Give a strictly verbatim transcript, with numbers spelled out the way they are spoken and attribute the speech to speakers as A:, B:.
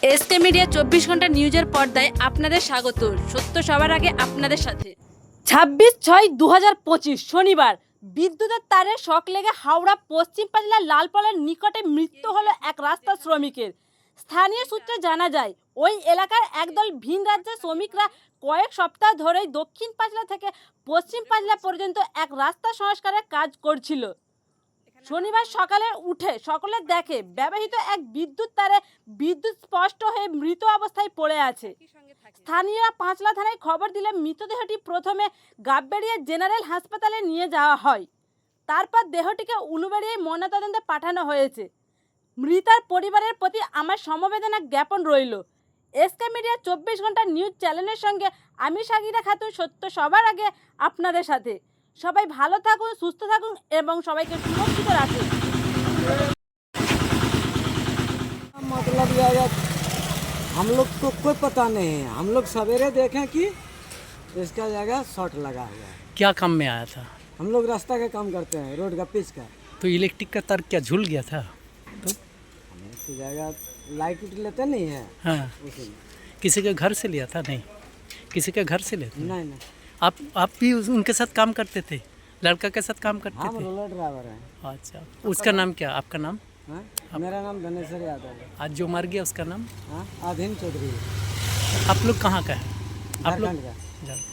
A: SK media চব্বিশ ঘন্টা নিউজের পর্দায় আপনাদের স্বাগত। সত্য সবার আগে আপনাদের সাথে। ছাব্বিশ ছয় দু হাজার পঁচিশ শনিবার বিদ্যুতের তারে শক লেগে হাওড়া পশ্চিম পাঁচলার লালপালের নিকটে মৃত্যু হলো এক রাস্তা শ্রমিকের। স্থানীয় সূত্রে জানা যায়, ওই এলাকার একদল ভিন রাজ্যের শ্রমিকরা কয়েক সপ্তাহ ধরেই দক্ষিণ পাঁচলা থেকে পশ্চিম পাঁচলা পর্যন্ত এক রাস্তা সংস্কারের কাজ করছিল। শনিবার সকালে উঠে সকলে দেখে ব্যবহৃত এক বিদ্যুৎ তারে বিদ্যুৎ স্পষ্ট হয়ে মৃত অবস্থায় পড়ে আছে। স্থানীয়রা পাঁচলা থানায় খবর দিলে মৃতদেহটি প্রথমে গাববেড়িয়া জেনারেল হাসপাতালে নিয়ে যাওয়া হয়। তারপর দেহটিকে উলুবেড়িয়ায় ময়নাতদন্তে পাঠানো হয়েছে। মৃতার পরিবারের প্রতি আমার সমবেদনা জ্ঞাপন রইল। এসকে মিডিয়া চব্বিশ ঘন্টা নিউজ চ্যানেলের সঙ্গে আমি সাগিরা খাতুন, সত্য সবার আগে আপনাদের সাথে। সবাই ভালো থাকুন, সুস্থ থাকুন এবং সবাইকে সুরক্ষিত রাখুন।
B: मतलब यार हम लोग को कोई पता नहीं है। हम लोग सवेरे देखें कि इसका जगह शॉर्ट लगा हुआ है।
C: क्या काम में आया था?
B: हम लोग रास्ता का काम करते हैं, रोड का पिच का।
C: तो इलेक्ट्रिक का तार क्या झूल गया था? तो
B: हम इसकी जगह लाइट उट लेते नहीं है,
C: हाँ,
B: उसीलिए।
C: किसी के घर से लिया था? नहीं, किसी के घर से लेते?
B: नहीं नहीं,
C: आप आप भी उस- उनके साथ काम करते थे? लड़का के साथ काम करते
B: हम
C: थे?
B: रोलर ड्राइवर हैं।
C: अच्छा, उसका नाम क्या? आपका नाम?
B: हाँ? मेरा नाम धनेश्वर यादव है।
C: आज जो मर गया उसका नाम?
B: हाँ, आधीन चौधरी,
C: आप लोग कहाँ का है? आप लोग
B: झारखंड का।
C: झारखंड।